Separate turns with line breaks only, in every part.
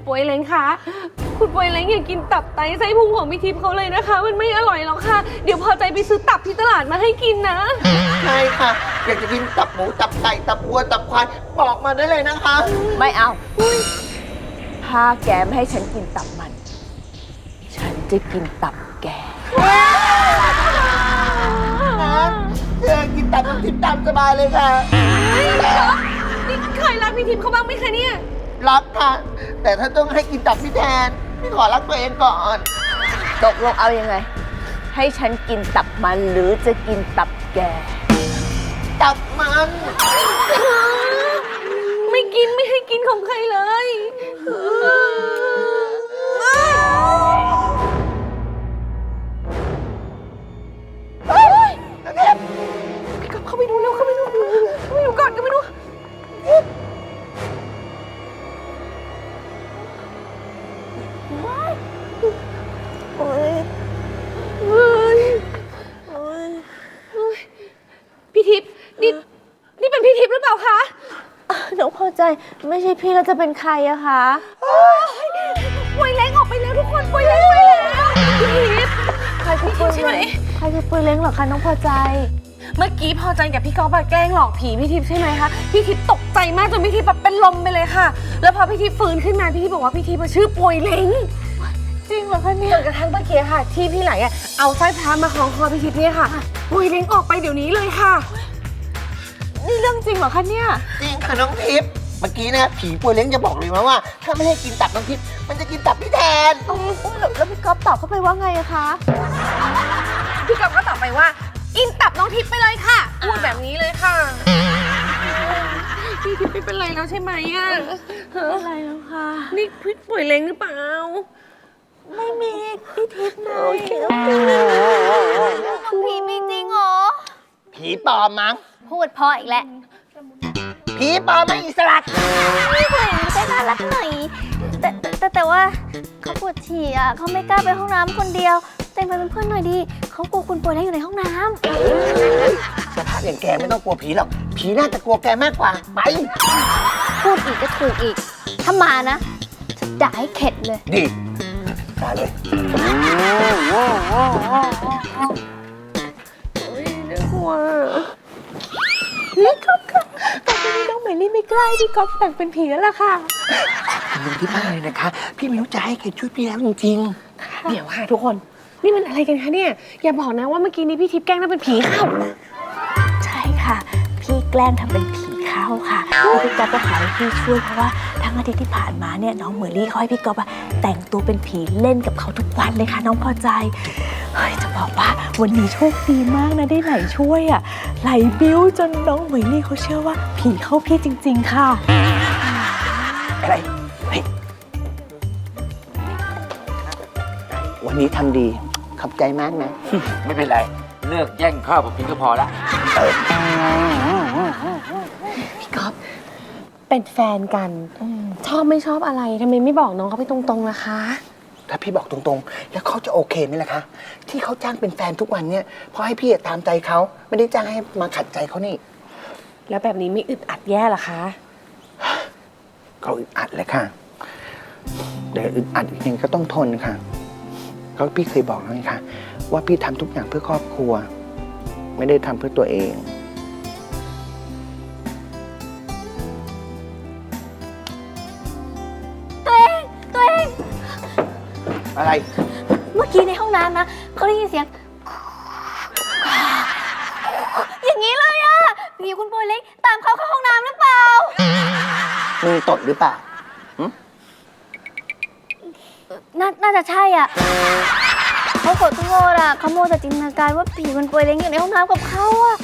ป่วยเล้งคะคุณป่วยเล้งอย่ากินตับไตไส้พุงของพี่ทิพย์เขาเลยนะคะ มันไม่อร่อยหรอกค่ะเดี๋ยวพอใจไปซื้อตับที่ตลาดมาให้กินนะ
ใช่ค่ะ อยากจะกินตับหมูตับไก่ตับวัวตับควายบอกมาได้เลยนะคะ
ไม่เอาถ้าแกไม่ให้ฉันกินตับมัน ฉันจะกินตับแก
เชิญกินตับน้ำทิพย์ตามสบายเลยค่ะ
นี่เคยรักพี่ทิพย์เขาบ้างไหมคะเนี่ย
รักค่ะ แต่ถ้าต้องให้กินตับพี่แทนพี่ขอรักตัวเองก่อน
ตกลงเอายังไง ให้ฉันกินตับมันหรือจะกินตับแก
ตับมัน
ไม่กินไม่ให้กินของใครเลยพี่กลับเข้าไปดูเร็วเข้าไปดูก่อนเข้าไปดูพี่ทิพย์นี่เป็นพี่ทิพย์หรือเปล่าคะ
น้องพอใจไม่ใช่พี่แล้วจะเป็นใครอะคะ
ป่วยเล้งออกไปแล้วทุกคนป่วยเล้งไปแล้วพี่ทิพย์
ใครคือปุยเล้งใครคือปุยเล้งเหรอคะน้องพอใจ
เมื่อกี้พอใจกับพี่ก๊อฟแกล้งหลอกผีพี่ทิพย์ใช่ไหมคะพี่ทิพย์ตกใจมากจนพี่ทิพย์แบบเป็นลมไปเลยค่ะแล้วพอพี่ทิพย์ฟื้นขึ้นมาพี่ทิพย์บอกว่าพี่ทิพย์ชื่อป่วยเล้ง
จริงเหรอคะเนี่ย
จนกระทั่งเมื่อกี้ค่ะที่พี่ไหลเอาสร้อยพระมาคล้องคอพี่ทิพย์เนี่ยค่ะป่วยเล้งออกไปเดี๋ยวนี้เลยค่ะ
นี่เรื่องจริงเหรอคะเนี่ย
จริงค่ะน้องทิพย์เมื่อกี้นะผีป่วยเล้งจะบอกเลยว่า ถ้าไม่ให้กินตับน้องทิพย์มันจะกินตับพี่แทน
แล้วพี่ก๊อฟตอบเข้าไปว่าไงอะคะ
พี่ก๊อฟก็ตอบไปว่ากินตับน้องทิพย์ไปเลยค่ะพูดแบบนี้เลยค่ะพี่ทิพย์ไม่เป็นไรแล้วใช่ไหมอะ
อะไรแล้วคะ
นี่พี่ป่วยเล้งหรือเปล่า
ไม่มีพี่ทิพย์นะผีมีจริงเหรอ
ผีปลอมมั้ง
พูดเพออีกแล้ว
ผีปลอมไม่อิสระ
ไม่เหมือนใช่น่ารักหน่อยแต่ว่าเขาปวดฉี่อ่ะเขาไม่กล้าไปห้องน้ำคนเดียวแต่งไปเป็นเพื่อนหน่อยดิเขากลัวคุณป่วยแล้วอยู่ในห้องน้ำ
สภาพอย่างแกไม่ต้องกลัวผีหรอกผีน่าจะกลัวแกมากกว่าไป
พูดอีกก็ถูกอีกถ้ามานะจะด่าให้เข็ดเลย
ดีมาเลย
น่ากลัว
พี่ก๊อฟค่ะตอนนี้น้องเหมยลี่ไม่กล้าให้พี่ก๊อฟแต่งเป็นผีแล้วล่ะค่ะ
ขอบคุณที่มากเลยนะคะ พี่ไม่รู้จะให้ใครช่วยพี่แล้วจริง
เดี๋ยวค่ะทุกคนนี่มันอะไรกันคะเนี่ยอย่าบอกนะว่าเมื่อกี้นี้พี่ทิพย์แกล้งนั่นเป็นผีเข้า
ใช่ค่ะ พี่แกล้งทำเป็นผีเข้าค่ะแล้วพี่ก๊อฟก็ขอให้พี่ช่วยเพราะว่าทั้งอาทิตย์ที่ผ่านมาเนี่ยน้องเหมยลี่เขาให้พี่ก๊อฟแต่งตัวเป็นผีเล่นกับเขาทุกวันเลยค่ะน้องพอใจเฮ้ยจะบอกว่าวันนี้โชคดีมากนะได้ไหลช่วยอ่ะไหลบิ้วจนน้องเหมยลี่เขาเชื่อว่าผีเข้าพี่จริงๆค่ะ
ๆ อะไรเฮ้ยวันนี้ทำดีขอบใจมากนะ
ไม่เป็นไร เลิกแย่งข้าวผมกินก็พอละ
พี่ก๊อฟเป็นแฟนกันชอบไม่ชอบอะไรทำไมไม่บอกน้องเขาไปตรงๆล่ะคะ
ถ้าพี่บอกตรงๆ แล้วเขาจะโอเคไหมล่ะคะ ที่เขาจ้างเป็นแฟนทุกวันเนี่ยเพราะให้พี่ตามใจเขาไม่ได้จ้างให้มาขัดใจเขานี่
แล้วแบบนี้ไม่อึดอัดแย่เหรอคะ
เขาอึดอัดเลยค่ะแต่อึดอัดอีกอย่างก็ต้องทนค่ะก็พี่เคยบอกแล้วไงคะว่าพี่ทำทุกอย่างเพื่อครอบครัว ไม่ได้ทำเพื่อตัวเอง
ตัวเอง
อะไร
เมื่อกี้ในห้องน้ำนะเขาได้ยินเสียง อย่างนี้เลยอะผีคุณป่วยเล็กตามเขาเข้าห้องน้ำหรือเปล่า
มึงตดหรือเปล่า
น่าจะใช่อ่ะเขาขอโทษอ่ะเขาโมวแต่จินตนาการว่าผีมันป่วยเล้งอยู่ในห้องน้ำกับเขาอ่ะ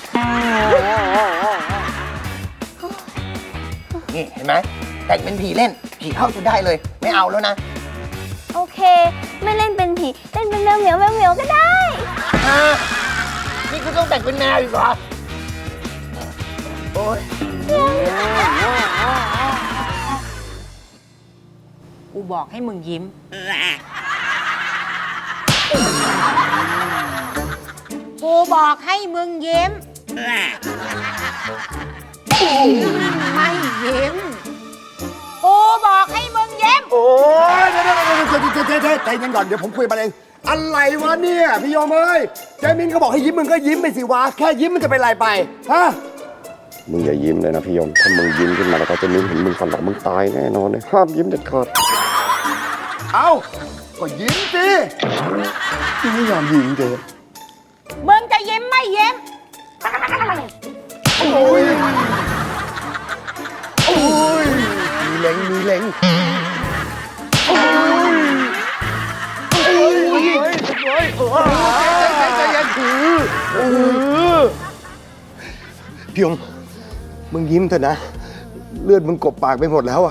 นี่เห็นไหมแต่งเป็นผีเล่น ผีเข้าจนได้เลย ไม่เอาแล้วนะ
โอเค ไม่เล่นเป็นผีเล่นเป็นแมวเหมียวก็ได้
นี่คุณต้องแต่งเป็นแมวอีกเหรอ โอ๊ย
กูบอกให้มึงยิ้ม กูบอกให้มึงยิ้ม ไม่ยิ้ม กูบอกให้มึงยิ้ม
โอ๊ย
ใจเย็นก่อนเดี๋ยวผมคุยมาเองอะไรวะเนี่ยพี่ยมเอ้ยเจมินเขาบอกให้ยิ้มมึงก็ยิ้มไปสิวะแค่ยิ้มมันจะเป็นไรไปฮะ
มึงอย่ายิ้มเลยนะพี่ยม ถ้ามึงยิ้มขึ้นมาแล้วก็จะมิ้นเห็นมึงฝันหลังมึงตายแน่นอนเลยห้ามยิ้มเด็ดขาด
เอ้าก็ยิ้มสิไม่ยอมยิ้มเจ๊
มึงจะยิ้มไม่ยิ้ม
โอ้ยโอ้ยมีเล็งมีเล็งโอ้ยโอ้ยใจเย็นถือพี่ยมมึงยิ้มเถอะนะเลือดมึงกบปากไปหมดแล้วอะ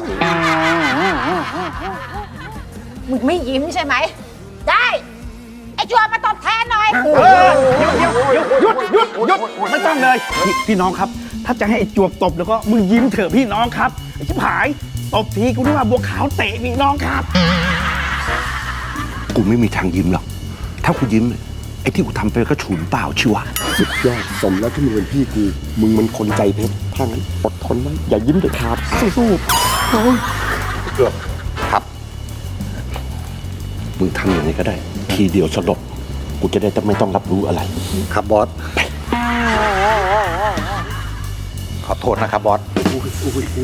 มึงไม่ยิ้มใช่ไหม ได้ ไอ้ชัวมาตอบแทนหน่อย
หยุดไม่ต้องเลยพี่น้องครับ ถ้าจะให้ไอ้จวบตบแล้วก็มึงยิ้มเถอะพี่น้องครับไอ้ชิบหายตบทีกูนึกว่าบัวขาวเตะพี่น้องครับ
กูไม่มีทางยิ้มหรอก ถ้ากูยิ้มไอ้ที่กูทำไปก็ฉุนเปล่าชิวะสุดยอดสมแล้วที่มึงเป็นพี่กูมึงมันคนใจเพชรถ้างั้นอดทนไว้อย่ายิ้มเด็ดขาดสู้ๆครับ มึงทำอย่างนี้ก็ได้ ทีเดียวสลบกูจะได้ไม่ต้องรับรู้อะไร ครับบอส ขอโทษนะครับบอส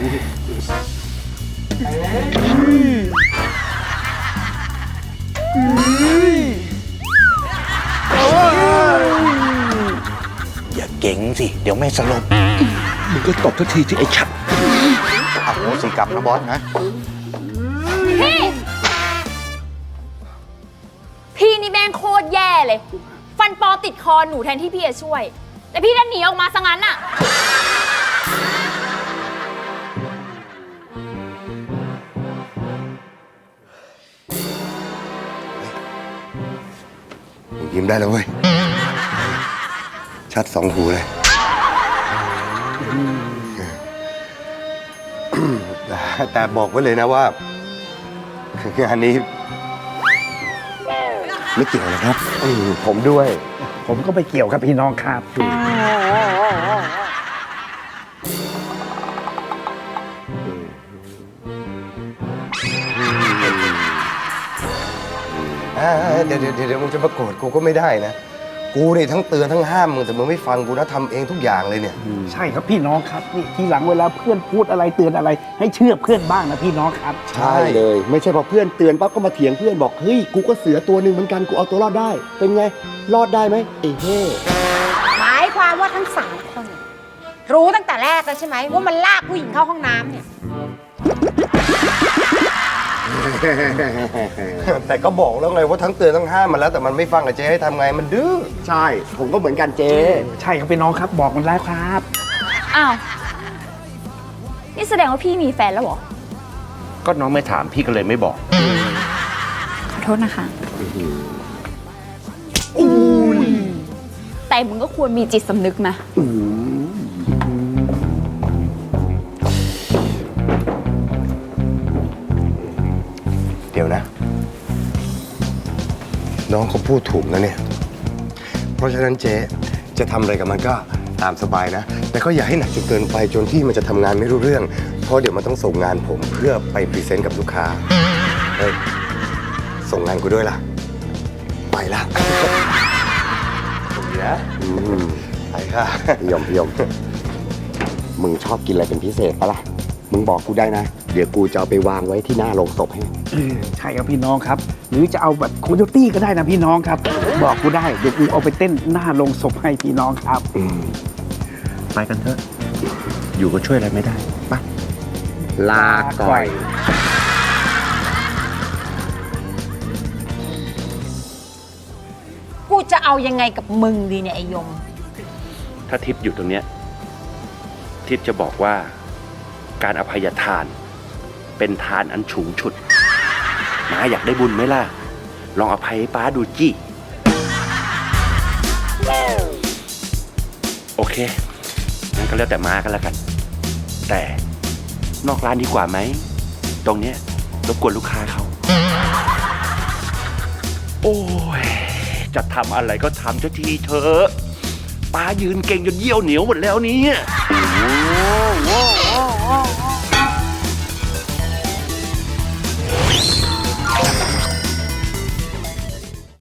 อย่าเก่งสิ เดี๋ยวไม่สลบ
มึงก็ตบทันทีที่ไอ้ชัด
อโหสิกรรมนะบอสนะ
พี่นี่แม่งโคตรแย่เลย ฟันปลอติดคอหนูแทนที่พี่จะช่วย แต่พี่ดันหนีออกมาซะงั้นอะ
มึงยิ้มได้แล้วเว้ย ชัดสองหูเลย แต่บอกไว้เลยนะว่างานนี้ ไม่เกี่ยวนะครับผมด้วย
ผมก็ไปเกี่ยวกับพี่น้องครับ
เดี๋ยวมึงจะมาโกรธกูก็ไม่ได้นะ กูนี่ทั้งเตือนทั้งห้ามมึงแต่มึงไม่ฟังกูนะทำเองทุกอย่างเลยเนี่ย
ใช่ครับพี่น้องครับนี่ทีหลังเวลาเพื่อนพูดอะไรเตือนอะไร ให้เชื่อเพื่อนบ้างนะพี่น้องครับ
ใช่เลย ไม่ใช่พอเพื่อนเตือนปั๊บก็มาเถียงเพื่อนบอกเฮ้ยกูก็เสือตัวหนึ่งเหมือนกันกูเอาตัวรอดได้ เป็นไงรอดได้ไหมไอ้เฮ้
หมายความว่าทั้งสามคนเนี่ยรู้ตั้งแต่แรกแล้วใช่ไหมว่ามันลากผู้หญิงเข้าห้องน้ำเนี่ย
แต่ก็บอกแล้วไงว่าทั้งเตือนทั้งห้ามมาแล้วแต่มันไม่ฟังอะเจ๊ให้ทำไงมันดื้อ
ใช่ ผมก็เหมือนกันเจ๊
ใช่ครับพี่น้องครับบอกมันแล้วครับ
อ้าว นี่แสดงว่าพี่มีแฟนแล้วเหรอ
ก็น้องไม่ถามพี่ก็เลยไม่บอก
ขอโทษนะคะ แต่มึงก็ควรมีจิตสำนึกนะ
เดี๋ยวนะ น้องเขาพูดถูกนะเนี่ย เพราะฉะนั้นเจ๊จะทำอะไรกับมันก็ตามสบายนะ แต่ก็อย่าให้หนักจนเกินไปจนที่มันจะทำงานไม่รู้เรื่อง เพราะเดี๋ยวมันต้องส่งงานผมเพื่อไปพรีเซนต์กับลูกค้าเฮ้ยส่งงานกูด้วยล่ะ ไปละเดี๋ยวไปค่ะ
พี่ยม มึงชอบกินอะไรเป็นพิเศษปะล่ะ มึงบอกกูได้นะ เดี๋ยวกูจะเอาไปวางไว้ที่หน้าโรงศพให้
ใช่ครับพี่น้องครับ หรือจะเอาแบบโคโยตี้ก็ได้นะพี่น้องครับ บอกกูได้เดี๋ยวกูเอาไปเต้นหน้าโรงศพให้พี่น้องครับ
ไปกันเถอะ อยู่ก็ช่วยอะไรไม่ได้ปะลาก่อย
กูจะเอายังไงกับมึงดีเนี่ยไอ้ยม
ถ้าทิพย์อยู่ตรงเนี้ยทิพย์จะบอกว่าการอภัยทาน เป็นทานอันสูงสุดน้าอยากได้บุญไหมล่ะ ลองอภัยให้ป้าดูจี้ โอเค งั้นก็แล้วแต่ม้ากันแล้วกัน แต่นอกร้านดีกว่าไหม ตรงเนี้ยรบกวนลูกค้าเขา โอ้ย จะทำอะไรก็ทำสักทีเถอะป้ายืนเก่งจนเยี่ยวเหนียวหมดแล้วเนี่ย